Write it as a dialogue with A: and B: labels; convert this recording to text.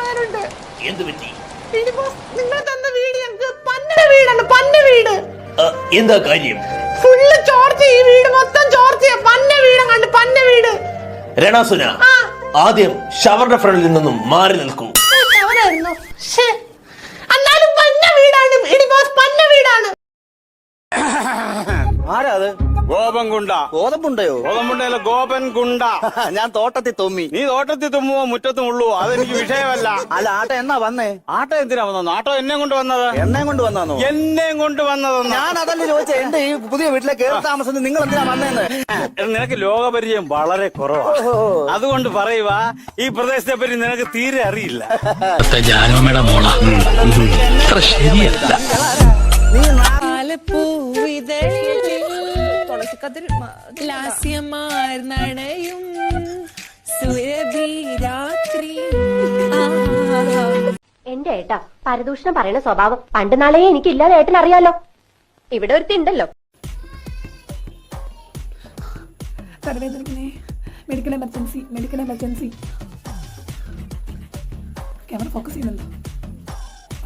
A: പറയാനുണ്ട്.
B: എന്ത് പറ്റി?
A: നിങ്ങൾ തന്ന വീട് ഞങ്ങൾക്ക് പന്നയുടെ വീടാണ്, പന്ന വീട്.
B: എന്താ കാര്യം?
A: ഫുള്ള് ചോർച്ച, ഈ വീട് മൊത്തം ചോർച്ചയാ. പന്ന വീട് കണ്ട്, പന്ന വീട്.
B: രണാസുന, ആദ്യം ഷവറിന്റെ ഫ്രണ്ടിൽ നിന്നും മാറി നിൽക്കൂ.
A: എന്നാലും പന്ന വീടാണ് ഇടി ബോസ്, പന്ന വീടാണ്.
C: ആരാ അത്?
D: ഗോപൻകുണ്ട.
C: ഗോതമ്പുണ്ടയോ?
D: ഗോതമ്പുണ്ടല്ല, ഗോപൻകുണ്ട.
C: ഞാൻ തോട്ടത്തിൽ തുമ്മി.
D: നീ തോട്ടത്തിൽ തുമ്മുവോ മുറ്റത്തും ഉള്ളുവോ അതെനിക്ക് വിഷയമല്ല.
C: അല്ല, ആട്ട എന്നാ വന്നേ?
D: ആട്ടോ എന്തിനാ വന്നത്? ആട്ടോ എന്നെ കൊണ്ട് വന്നത്.
C: എണ്ണയും കൊണ്ട് വന്നോ?
D: എന്നെയും കൊണ്ട് വന്നതെന്ന്.
C: ഞാൻ അതല്ലേ ചോദിച്ചേ, എന്റെ ഈ പുതിയ വീട്ടിലെ കേറി താമസം നിങ്ങൾ എന്തിനാ വന്നേന്ന്?
D: നിനക്ക് ലോകപരിചയം വളരെ കുറവാണ്, അതുകൊണ്ട് പറയുക ഈ പ്രദേശത്തെ പറ്റി നിനക്ക് തീരെ അറിയില്ല.
E: ജാനമ്മയുടെ മോള ശരിയല്ല.
F: എന്റെ ഏട്ടാ പരദൂഷണം പറയുന്ന സ്വഭാവം പണ്ട് നാളെ എനിക്കില്ലാതെ ഏട്ടൻ അറിയാലോ. ഇവിടെ ഒരുത്തി ഉണ്ടല്ലോ.
A: Medical emergency, medical emergency. Camera focus ചെയ്യുന്നുണ്ടോ?